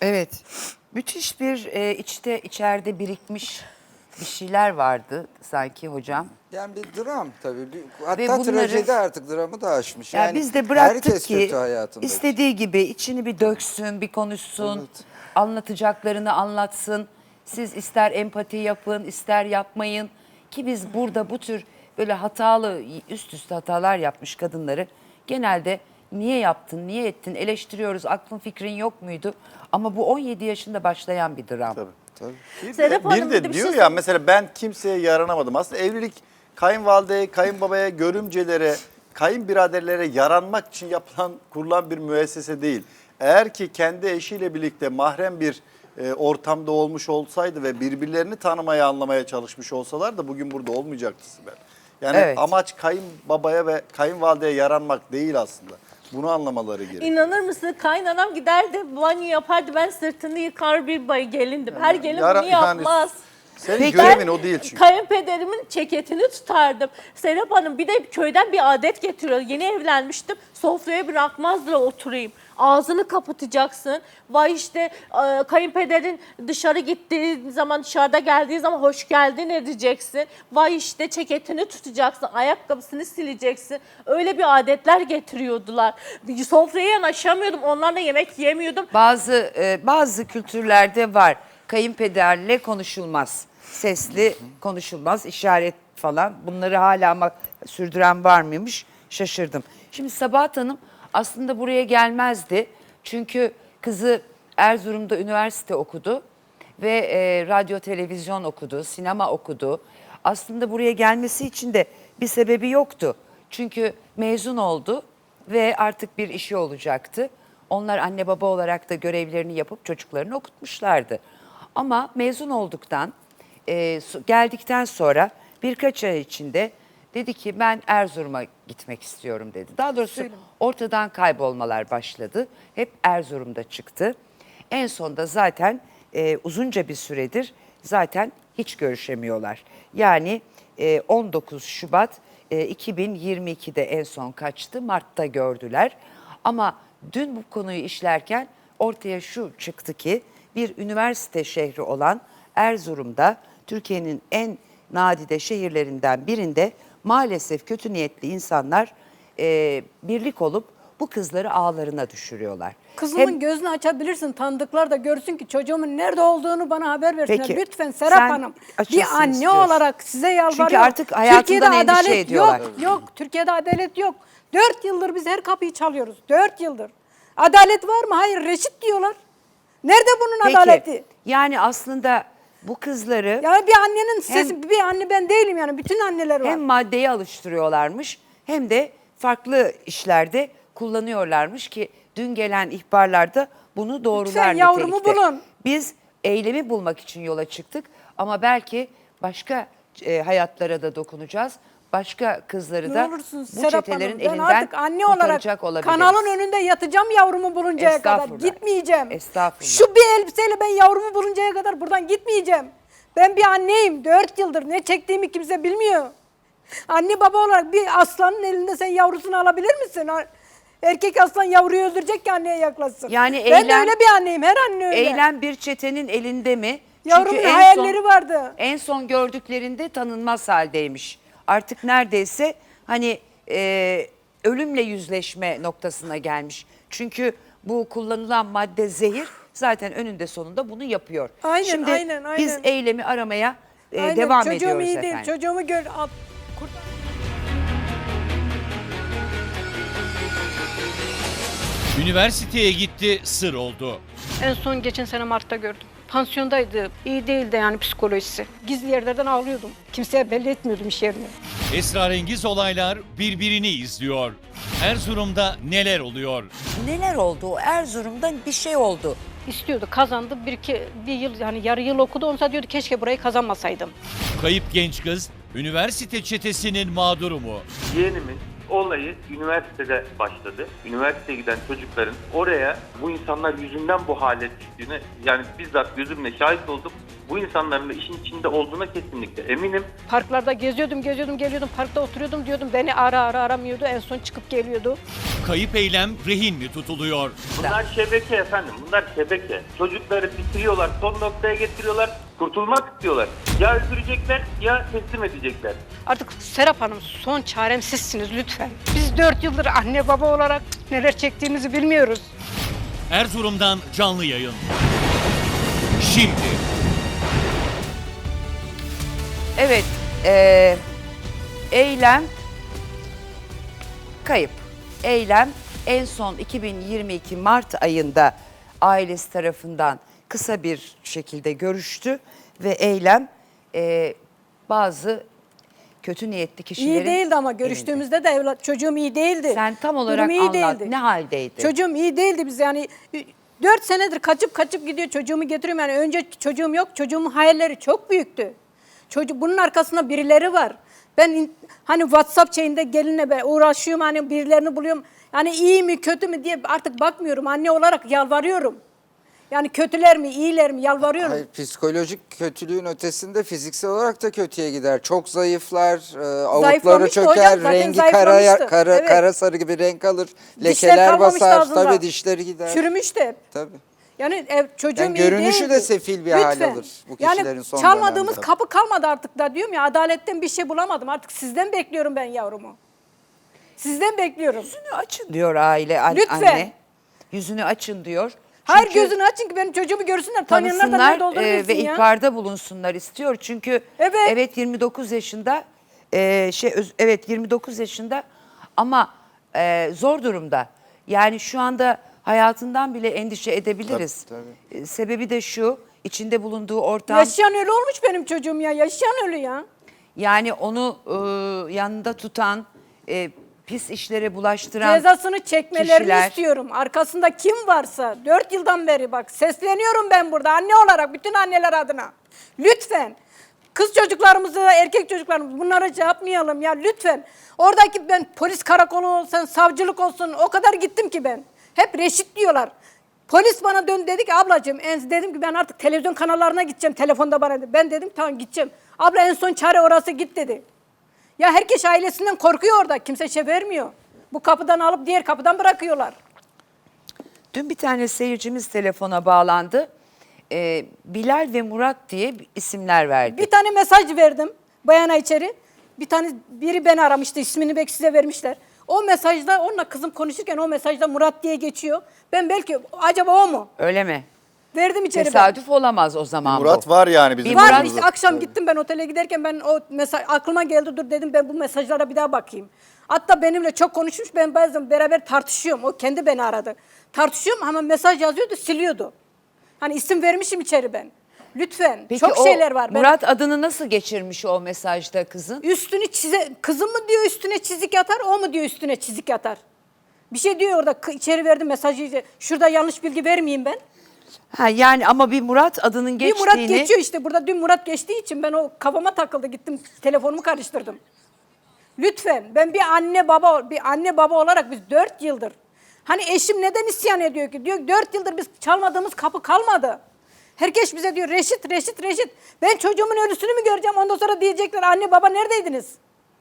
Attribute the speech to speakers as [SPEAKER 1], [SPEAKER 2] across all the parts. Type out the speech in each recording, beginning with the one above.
[SPEAKER 1] Evet. Müthiş bir içeride birikmiş bir şeyler vardı sanki hocam.
[SPEAKER 2] Yani bir dram tabii.
[SPEAKER 1] Ve
[SPEAKER 2] Hatta
[SPEAKER 1] bunları,
[SPEAKER 2] trajedi artık dramı da aşmış.
[SPEAKER 1] yani biz de bıraktık
[SPEAKER 2] herkes
[SPEAKER 1] ki
[SPEAKER 2] kötü hayatında.
[SPEAKER 1] istediği gibi içini bir döksün, bir konuşsun,
[SPEAKER 2] Evet.
[SPEAKER 1] anlatacaklarını anlatsın. Siz ister empati yapın, ister yapmayın. Ki biz burada bu tür böyle hatalı, üst üste hatalar yapmış kadınları genelde niye yaptın, niye ettin eleştiriyoruz. Aklın fikrin yok muydu? Ama bu 17 yaşında başlayan bir dram.
[SPEAKER 3] Tabii.
[SPEAKER 2] Tabii.
[SPEAKER 4] Serap Hanım,
[SPEAKER 3] Bir
[SPEAKER 4] bir
[SPEAKER 3] de
[SPEAKER 4] de bir
[SPEAKER 3] diyor
[SPEAKER 4] şey
[SPEAKER 3] ya mesela ben kimseye yaranamadım. Aslında evlilik kayınvalideye, kayınbabaya, görümcelere, kayınbiraderlere yaranmak için kurulan bir müessese değil. Eğer ki kendi eşiyle birlikte mahrem bir ortamda olmuş olsaydı ve birbirlerini tanımaya, anlamaya çalışmış olsalar da bugün burada olmayacaktı Sibel. Yani
[SPEAKER 1] Evet.
[SPEAKER 3] amaç kayınbabaya ve kayınvalideye yaranmak değil aslında. Bunu anlamaları gerekiyor.
[SPEAKER 4] İnanır mısın? Kaynanam giderdi, banyo yapardı. Ben sırtını yıkar bir gelindim. Her gelin bunu yapmaz.
[SPEAKER 3] Senin
[SPEAKER 1] Peki.
[SPEAKER 3] görevin o değil çünkü.
[SPEAKER 4] Kayınpederimin ceketini tutardım. Serap Hanım bir de köyden bir adet getiriyor. Yeni evlenmiştim. Sofraya bırakmazlar oturayım. Ağzını kapatacaksın. Vay işte kayınpederin dışarı gittiği zaman, dışarıda geldiği zaman hoş geldin edeceksin. Vay işte ceketini tutacaksın. Ayakkabısını sileceksin. Öyle bir adetler getiriyordular. Sofraya yanaşamıyordum. Onlarla yemek yemiyordum.
[SPEAKER 1] Bazı kültürlerde var. Kayınpederle konuşulmaz. Sesli konuşulmaz, işaret falan. Bunları hala ama sürdüren var mıymış? Şaşırdım. Şimdi Sabahat Hanım aslında buraya gelmezdi. Çünkü kızı Erzurum'da üniversite okudu ve radyo, televizyon okudu, sinema okudu. Aslında buraya gelmesi için de bir sebebi yoktu. Çünkü mezun oldu ve artık bir işi olacaktı. Onlar anne baba olarak da görevlerini yapıp çocuklarını okutmuşlardı. Ama mezun olduktan, geldikten sonra birkaç ay içinde dedi ki ben Erzurum'a gitmek istiyorum dedi. Daha doğrusu ortadan kaybolmalar başladı. Hep Erzurum'da çıktı. En sonunda zaten uzunca bir süredir zaten hiç görüşemiyorlar. Yani 19 Şubat 2022'de en son kaçtı. Mart'ta gördüler. Ama dün bu konuyu işlerken ortaya şu çıktı ki bir üniversite şehri olan Erzurum'da Türkiye'nin en nadide şehirlerinden birinde maalesef kötü niyetli insanlar birlik olup bu kızları ağlarına düşürüyorlar.
[SPEAKER 5] Kızımın gözünü açabilirsin, tanıdıklar da görsün ki çocuğumun nerede olduğunu bana haber versinler.
[SPEAKER 1] Peki,
[SPEAKER 5] Lütfen Serap
[SPEAKER 1] sen
[SPEAKER 5] Hanım,
[SPEAKER 1] açılsın
[SPEAKER 5] bir anne
[SPEAKER 1] istiyorsun.
[SPEAKER 5] olarak size yalvarıyorum.
[SPEAKER 1] Çünkü artık hayatından endişe ediyorlar.
[SPEAKER 5] Yok, Türkiye'de adalet yok. 4 yıldır biz her kapıyı çalıyoruz, 4 yıldır. Adalet var mı? Hayır, reşit diyorlar. Nerede bunun
[SPEAKER 1] Peki,
[SPEAKER 5] adaleti?
[SPEAKER 1] yani aslında bu kızları
[SPEAKER 5] Yani bir annenin sesi, bir anne ben değilim yani, bütün anneler var.
[SPEAKER 1] hem maddeye alıştırıyorlarmış hem de farklı işlerde kullanıyorlarmış ki dün gelen ihbarlarda bunu doğrular
[SPEAKER 5] Lütfen yavrumu
[SPEAKER 1] nitelikte.
[SPEAKER 5] bulun.
[SPEAKER 1] Biz eylemi bulmak için yola çıktık ama belki başka hayatlara da dokunacağız. Başka kızları
[SPEAKER 5] Ne
[SPEAKER 1] da
[SPEAKER 5] olursunuz
[SPEAKER 1] bu
[SPEAKER 5] Serap
[SPEAKER 1] çetelerin
[SPEAKER 5] Hanım, ben
[SPEAKER 1] elinden
[SPEAKER 5] artık anne olarak
[SPEAKER 1] kurtaracak olabiliriz.
[SPEAKER 5] kanalın önünde yatacağım yavrumu buluncaya kadar.
[SPEAKER 1] Estağfurullah.
[SPEAKER 5] Gitmeyeceğim.
[SPEAKER 1] Estağfurullah.
[SPEAKER 5] Şu bir elbiseyle ben yavrumu buluncaya kadar buradan gitmeyeceğim. Ben bir anneyim. 4 yıldır ne çektiğimi kimse bilmiyor. Anne baba olarak bir aslanın elinde sen yavrusunu alabilir misin? Erkek aslan yavruyu öldürecek ki anneye yaklaşsın.
[SPEAKER 1] Yani
[SPEAKER 5] ben de
[SPEAKER 1] eylem-
[SPEAKER 5] öyle bir anneyim. Her anne öyle.
[SPEAKER 1] Eylem bir çetenin elinde mi?
[SPEAKER 5] Yavrumun
[SPEAKER 1] en
[SPEAKER 5] hayalleri vardı.
[SPEAKER 1] En son gördüklerinde tanınmaz haldeymiş. Artık neredeyse hani ölümle yüzleşme noktasına gelmiş. Çünkü bu kullanılan madde zehir zaten önünde sonunda bunu yapıyor.
[SPEAKER 5] Aynen,
[SPEAKER 1] Şimdi
[SPEAKER 5] aynen.
[SPEAKER 1] biz eylemi aramaya
[SPEAKER 5] Aynen,
[SPEAKER 1] devam
[SPEAKER 5] çocuğum
[SPEAKER 1] ediyoruz
[SPEAKER 5] iyi
[SPEAKER 1] efendim.
[SPEAKER 5] değil. Çocuğumu gör. Kurtar.
[SPEAKER 6] Üniversiteye gitti, sır oldu.
[SPEAKER 7] En son geçen sene Mart'ta gördüm. Pansiyondaydı. İyi değildi yani psikolojisi. Gizli yerlerden ağlıyordum. Kimseye belli etmiyordum iş yerini.
[SPEAKER 6] Esrarengiz olaylar birbirini izliyor. Erzurum'da neler oluyor?
[SPEAKER 1] Neler oldu? Erzurum'da bir şey oldu.
[SPEAKER 7] İstiyordu, kazandı. Bir yıl yani yarı yıl okudu. Ondan diyordu keşke burayı kazanmasaydım.
[SPEAKER 6] Kayıp genç kız, üniversite çetesinin mağduru mu?
[SPEAKER 8] Yeğenimin olayı üniversitede başladı. Üniversiteye giden çocukların oraya bu insanlar yüzünden bu hale düştüğüne yani bizzat gözümle şahit oldum. bu insanların da işin içinde olduğuna kesinlikle eminim.
[SPEAKER 7] Parklarda geziyordum geliyordum, parkta oturuyordum diyordum. Beni aramıyordu, en son çıkıp geliyordu.
[SPEAKER 6] Kayıp Eylem rehin mi tutuluyor?
[SPEAKER 8] Bunlar şebeke efendim, bunlar şebeke. Çocukları bitiriyorlar, son noktaya getiriyorlar, kurtulmak istiyorlar. Ya öldürecekler ya teslim edecekler.
[SPEAKER 7] Artık Serap Hanım, son çarem sizsiniz lütfen. Biz 4 yıldır anne baba olarak neler çektiğimizi bilmiyoruz.
[SPEAKER 6] Erzurum'dan canlı yayın. Şimdi.
[SPEAKER 1] Evet, Eylem kayıp. Eylem en son 2022 Mart ayında ailesi tarafından kısa bir şekilde görüştü ve Eylem bazı kötü niyetli kişilerin
[SPEAKER 5] İyi değildi ama
[SPEAKER 1] elinde.
[SPEAKER 5] görüştüğümüzde de çocuğum iyi değildi.
[SPEAKER 1] Sen tam olarak
[SPEAKER 5] Durumu iyi
[SPEAKER 1] anlat.
[SPEAKER 5] değildi.
[SPEAKER 1] Ne haldeydi?
[SPEAKER 5] Çocuğum iyi değildi biz yani 4 senedir kaçıp gidiyor çocuğumu getiriyorum yani önce çocuğum yok çocuğumun hayalleri çok büyüktü. Bunun arkasında birileri var. Ben hani WhatsApp şeyinde gelinle ben uğraşıyorum hani birilerini buluyorum. Yani iyi mi kötü mü diye artık bakmıyorum anne olarak yalvarıyorum. Yani kötüler mi iyiler mi yalvarıyorum.
[SPEAKER 2] Hayır, psikolojik kötülüğün ötesinde fiziksel olarak da kötüye gider. Çok zayıflar, avukları
[SPEAKER 5] Zayıflamıştı
[SPEAKER 2] çöker,
[SPEAKER 5] hocam, zaten
[SPEAKER 2] rengi
[SPEAKER 5] zayıflamıştı.
[SPEAKER 2] kara
[SPEAKER 5] Evet.
[SPEAKER 2] sarı gibi renk alır,
[SPEAKER 5] Dişler
[SPEAKER 2] lekeler
[SPEAKER 5] kalmamıştı
[SPEAKER 2] basar,
[SPEAKER 5] ağzında.
[SPEAKER 2] tabii dişleri gider.
[SPEAKER 5] Çürümüştü hep.
[SPEAKER 2] Tabii.
[SPEAKER 5] Yani çocuğum
[SPEAKER 2] Yani
[SPEAKER 5] iyi
[SPEAKER 2] görünüşü
[SPEAKER 5] değildi.
[SPEAKER 2] de sefil bir hal alır bu kişilerin
[SPEAKER 5] yani
[SPEAKER 2] son
[SPEAKER 5] çalmadığımız
[SPEAKER 2] dönemde.
[SPEAKER 5] kapı kalmadı artık da diyorum ya adaletten bir şey bulamadım. Artık sizden bekliyorum ben yavrumu. Sizden bekliyorum.
[SPEAKER 1] Yüzünü açın diyor
[SPEAKER 5] Lütfen.
[SPEAKER 1] anne. Yüzünü açın diyor.
[SPEAKER 5] Hayır
[SPEAKER 1] Çünkü
[SPEAKER 5] gözünü açın ki benim çocuğumu görsünler. Tanıyanlar da
[SPEAKER 1] tanısınlar
[SPEAKER 5] nerede olduğunu bilsin
[SPEAKER 1] ve
[SPEAKER 5] ya.
[SPEAKER 1] ihbarda bulunsunlar istiyor. Çünkü
[SPEAKER 5] Evet.
[SPEAKER 1] 29 yaşında evet 29 yaşında ama zor durumda. Yani şu anda hayatından bile endişe edebiliriz.
[SPEAKER 2] Tabii.
[SPEAKER 1] Sebebi de şu, içinde bulunduğu ortam.
[SPEAKER 5] Yaşayan ölü olmuş benim çocuğum ya. Yaşayan ölü ya.
[SPEAKER 1] Yani onu yanında tutan, pis işlere bulaştıran
[SPEAKER 5] Cezasını çekmelerini
[SPEAKER 1] kişiler.
[SPEAKER 5] istiyorum. Arkasında kim varsa 4 yıldan beri bak sesleniyorum ben burada anne olarak bütün anneler adına. Lütfen kız çocuklarımızı, erkek çocuklarımızı bunlara şey yapmayalım ya lütfen. Oradaki ben polis karakolu olsun, savcılık olsun o kadar gittim ki ben. Hep reşit diyorlar. Polis bana dön dedi ki ablacığım dedim ki ben artık televizyon kanallarına gideceğim telefonda bana dedi. Ben dedim tamam gideceğim. Abla en son çare orası git dedi. Ya herkes ailesinden korkuyor orada. Kimse şey vermiyor. Bu kapıdan alıp diğer kapıdan bırakıyorlar.
[SPEAKER 1] Dün bir tane seyircimiz telefona bağlandı. Bilal ve Murat diye isimler verdi.
[SPEAKER 5] Bir tane mesaj verdim bayana içeri. Biri beni aramıştı. İsmini belki size vermişler. O mesajda onunla kızım konuşurken o mesajda Murat diye geçiyor. Ben belki acaba o mu?
[SPEAKER 1] Öyle mi?
[SPEAKER 5] Verdim içeri ben.
[SPEAKER 1] Tesadüf olamaz o zaman
[SPEAKER 3] Murat
[SPEAKER 1] bu.
[SPEAKER 3] var yani bizim
[SPEAKER 5] Var
[SPEAKER 3] aramızda.
[SPEAKER 5] işte akşam gittim ben otele giderken ben o mesaj aklıma geldi dur dedim ben bu mesajlara bir daha bakayım. Hatta benimle çok konuşmuş ben bazen beraber tartışıyorum. O kendi beni aradı. Tartışıyorum ama mesaj yazıyordu siliyordu. Hani isim vermişim içeri ben. Lütfen
[SPEAKER 1] Peki
[SPEAKER 5] çok
[SPEAKER 1] o
[SPEAKER 5] şeyler var.
[SPEAKER 1] Murat adını nasıl geçirmiş o mesajda kızın?
[SPEAKER 5] Üstünü kızım mı diyor üstüne çizik atar o mu diyor üstüne çizik atar. Bir şey diyor orada içeri verdim mesajı. Şurada yanlış bilgi vermeyeyim ben.
[SPEAKER 1] Ha yani ama bir Murat adının
[SPEAKER 5] Bir
[SPEAKER 1] geçtiğini...
[SPEAKER 5] Murat geçiyor işte burada dün Murat geçtiği için ben o kafama takıldı gittim telefonumu karıştırdım. Lütfen ben bir anne baba olarak biz 4 yıldır hani eşim neden isyan ediyor ki? Diyor 4 yıldır biz çalmadığımız kapı kalmadı. Herkes bize diyor reşit. Ben çocuğumun ölüsünü mü göreceğim ondan sonra diyecekler anne baba neredeydiniz?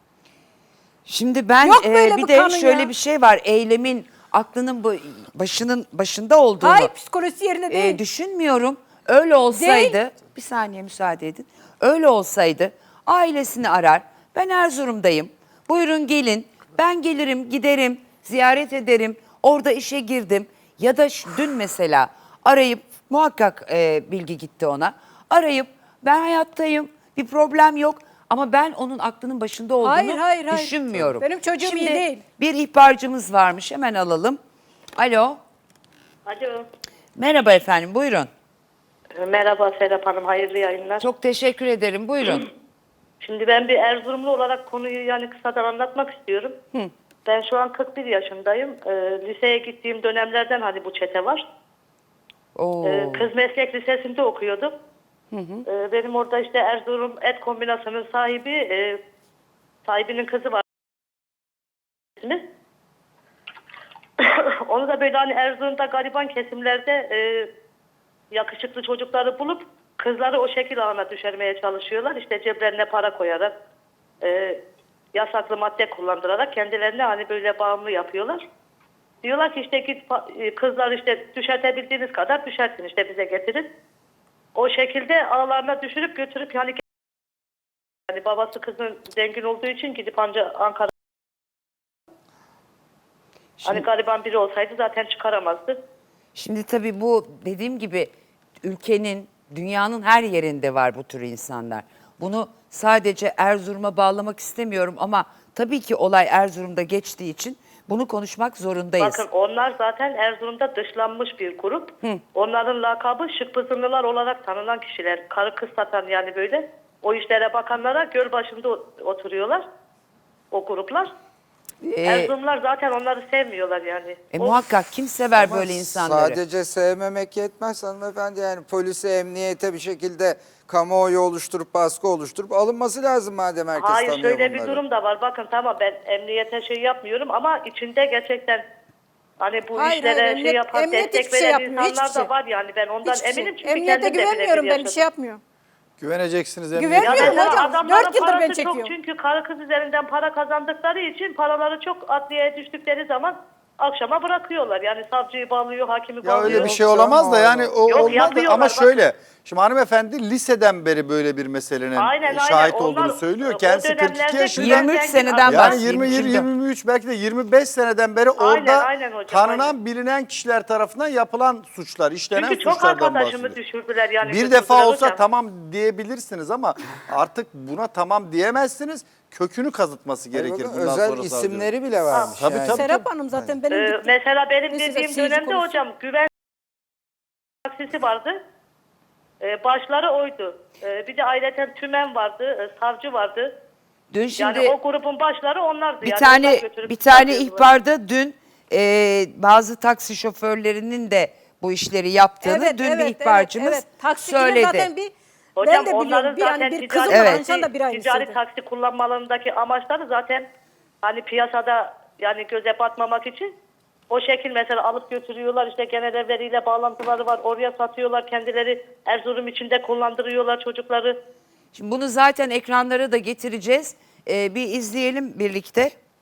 [SPEAKER 1] Şimdi ben
[SPEAKER 5] Yok böyle
[SPEAKER 1] bir
[SPEAKER 5] bir
[SPEAKER 1] de
[SPEAKER 5] kanun
[SPEAKER 1] şöyle
[SPEAKER 5] ya.
[SPEAKER 1] bir şey var. Eylemin aklının başında olduğunu
[SPEAKER 5] Hayır psikolojisi yerinde değil.
[SPEAKER 1] düşünmüyorum. Öyle olsaydı bir saniye müsaade edin. Öyle olsaydı ailesini arar. Ben Erzurum'dayım. Buyurun gelin. Ben gelirim, giderim, ziyaret ederim. Orada işe girdim. Ya da dün mesela arayıp muhakkak bilgi gitti ona. Arayıp ben hayattayım. Bir problem yok. Ama ben onun aklının başında olduğunu
[SPEAKER 5] Hayır.
[SPEAKER 1] düşünmüyorum.
[SPEAKER 5] Benim çocuğum iyi
[SPEAKER 1] Şimdi
[SPEAKER 5] değil.
[SPEAKER 1] bir ihbarcımız varmış. Hemen alalım. Alo.
[SPEAKER 9] Alo.
[SPEAKER 1] Merhaba efendim. Buyurun.
[SPEAKER 9] Merhaba Serap Hanım, hayırlı yayınlar.
[SPEAKER 1] Çok teşekkür ederim. Buyurun.
[SPEAKER 9] Şimdi ben bir Erzurumlu olarak konuyu yani kısadan anlatmak istiyorum. Ben şu an 41 yaşındayım. Liseye gittiğim dönemlerden hani bu çete var.
[SPEAKER 1] Oo.
[SPEAKER 9] Kız Meslek Lisesi'nde okuyordum. Benim orada işte Erzurum Et Kombinası'nın sahibinin kızı var. Onu da böyle hani Erzurum'da gariban kesimlerde yakışıklı çocukları bulup kızları o şekil ağına düşürmeye çalışıyorlar. İşte ceplerine para koyarak, yasaklı madde kullandırarak kendilerini hani böyle bağımlı yapıyorlar. Diyorlar ki işte git kızlar işte düşertebildiğiniz kadar düşersin işte bize getirin. O şekilde ağlarına düşürüp götürüp yani babası kızın zengin olduğu için gidip ancak Ankara hani gariban biri olsaydı zaten çıkaramazdı.
[SPEAKER 1] Şimdi tabii bu dediğim gibi ülkenin, dünyanın her yerinde var bu tür insanlar. Bunu sadece Erzurum'a bağlamak istemiyorum ama tabii ki olay Erzurum'da geçtiği için bunu konuşmak zorundayız.
[SPEAKER 9] Bakın onlar zaten Erzurum'da dışlanmış bir grup. Onların lakabı Şıkpızınlılar olarak tanınan kişiler. Karı kız satan yani böyle. O işlere bakanlara göl başında oturuyorlar. O gruplar. Erzurumlar zaten onları sevmiyorlar yani.
[SPEAKER 1] Muhakkak kim sever
[SPEAKER 2] Ama
[SPEAKER 1] böyle insanları?
[SPEAKER 2] sadece sevmemek yetmez hanımefendi, yani polise, emniyete bir şekilde kamuoyu oluşturup baskı oluşturup alınması lazım madem herkes
[SPEAKER 9] Hayır
[SPEAKER 2] tanıyor
[SPEAKER 9] şöyle
[SPEAKER 2] bunları.
[SPEAKER 9] bir durum da var. Bakın tamam ben emniyete şey yapmıyorum ama içinde gerçekten hani bu
[SPEAKER 5] Hayır,
[SPEAKER 9] işlere
[SPEAKER 5] hayır,
[SPEAKER 9] şey yapan,
[SPEAKER 5] emniyet
[SPEAKER 9] destek
[SPEAKER 5] hiçbir şey
[SPEAKER 9] veren
[SPEAKER 5] yapmıyor,
[SPEAKER 9] insanlar
[SPEAKER 5] hiçbir
[SPEAKER 9] da
[SPEAKER 5] şey.
[SPEAKER 9] var yani. Ben ondan
[SPEAKER 5] Hiçbir şey.
[SPEAKER 9] eminim çünkü
[SPEAKER 5] Emniyete
[SPEAKER 9] kendim de
[SPEAKER 5] güvenmiyorum
[SPEAKER 9] birebir
[SPEAKER 5] ben, bir şey
[SPEAKER 9] yaşadım.
[SPEAKER 5] yapmıyor.
[SPEAKER 3] Güveneceksiniz
[SPEAKER 9] Ya
[SPEAKER 5] Güvenmiyorum
[SPEAKER 3] emniyete.
[SPEAKER 9] mesela
[SPEAKER 5] hocam,
[SPEAKER 9] adamların
[SPEAKER 5] 4 yıldır ben
[SPEAKER 9] parası çok
[SPEAKER 5] çekiyorum.
[SPEAKER 9] çünkü karı kız üzerinden para kazandıkları için paraları çok adliyeye düştükleri zaman akşama bırakıyorlar. Yani savcıyı bağlıyor, hakimi
[SPEAKER 3] Ya
[SPEAKER 9] bağlıyor.
[SPEAKER 3] öyle bir şey
[SPEAKER 2] Yok
[SPEAKER 3] olamaz da
[SPEAKER 2] canım,
[SPEAKER 3] yani o
[SPEAKER 9] Yok,
[SPEAKER 3] olmaz da
[SPEAKER 9] yapıyorlar,
[SPEAKER 3] ama
[SPEAKER 9] bakın.
[SPEAKER 3] şöyle. Şimdi hanımefendi liseden beri böyle bir meselenin
[SPEAKER 9] Aynen,
[SPEAKER 3] şahit
[SPEAKER 9] aynen.
[SPEAKER 3] olduğunu
[SPEAKER 9] Onlar,
[SPEAKER 3] söylüyor.
[SPEAKER 9] o
[SPEAKER 3] Kendisi 42
[SPEAKER 9] dönemlerde
[SPEAKER 3] yaşında.
[SPEAKER 1] 23 seneden
[SPEAKER 3] Yani
[SPEAKER 1] bahsedeyim
[SPEAKER 3] 20,
[SPEAKER 1] içinde.
[SPEAKER 3] 23 belki de 25 seneden beri
[SPEAKER 9] Aynen,
[SPEAKER 3] orada
[SPEAKER 9] aynen hocam,
[SPEAKER 3] tanınan
[SPEAKER 9] aynen.
[SPEAKER 3] bilinen kişiler tarafından yapılan suçlar, işlenen
[SPEAKER 9] Çünkü çok
[SPEAKER 3] suçlardan
[SPEAKER 9] arkadaşımı
[SPEAKER 3] bahsediyor.
[SPEAKER 9] düşürdüler yani.
[SPEAKER 3] Bir
[SPEAKER 9] götürdüler
[SPEAKER 3] defa olsa
[SPEAKER 9] hocam.
[SPEAKER 3] tamam diyebilirsiniz ama artık buna tamam diyemezsiniz. Kökünü kazıtması
[SPEAKER 2] Hayır,
[SPEAKER 3] gerekir
[SPEAKER 2] bakın,
[SPEAKER 3] bundan
[SPEAKER 2] özel
[SPEAKER 3] sonra savcının.
[SPEAKER 2] isimleri bile varmış.
[SPEAKER 3] Tabii,
[SPEAKER 2] yani.
[SPEAKER 3] tabii.
[SPEAKER 5] Serap Hanım zaten benim gittim.
[SPEAKER 9] Mesela benim
[SPEAKER 5] Neyse,
[SPEAKER 9] dediğim
[SPEAKER 5] seyirci
[SPEAKER 9] dönemde
[SPEAKER 5] konusu.
[SPEAKER 9] hocam güven taksisi vardı. Başları oydu. Bir de ayrıca tümen vardı, savcı vardı.
[SPEAKER 1] Dün şimdi
[SPEAKER 9] Yani o grubun başları onlardı.
[SPEAKER 1] bir
[SPEAKER 9] yani
[SPEAKER 1] tane
[SPEAKER 9] onlar götürüp
[SPEAKER 1] bir tane
[SPEAKER 9] satıyordular.
[SPEAKER 1] ihbarda dün bazı taksi şoförlerinin de bu işleri yaptığını dün bir ihbarcımız
[SPEAKER 5] Taksicinin
[SPEAKER 1] söyledi.
[SPEAKER 5] zaten bir
[SPEAKER 9] Hocam
[SPEAKER 5] ben de biliyorum
[SPEAKER 9] onların
[SPEAKER 5] bir, yani
[SPEAKER 9] zaten
[SPEAKER 5] bir kızım
[SPEAKER 9] ticari,
[SPEAKER 5] var,
[SPEAKER 1] Evet.
[SPEAKER 5] Anşan da bir aynı
[SPEAKER 9] ticari
[SPEAKER 5] şeydi.
[SPEAKER 9] taksi kullanmalarındaki amaçları zaten hani piyasada yani göze batmamak için o şekil mesela alıp götürüyorlar, işte genel evleriyle bağlantıları var, oraya satıyorlar, kendileri Erzurum içinde kullandırıyorlar çocukları.
[SPEAKER 1] Şimdi bunu zaten ekranlara da getireceğiz. Bir izleyelim birlikte.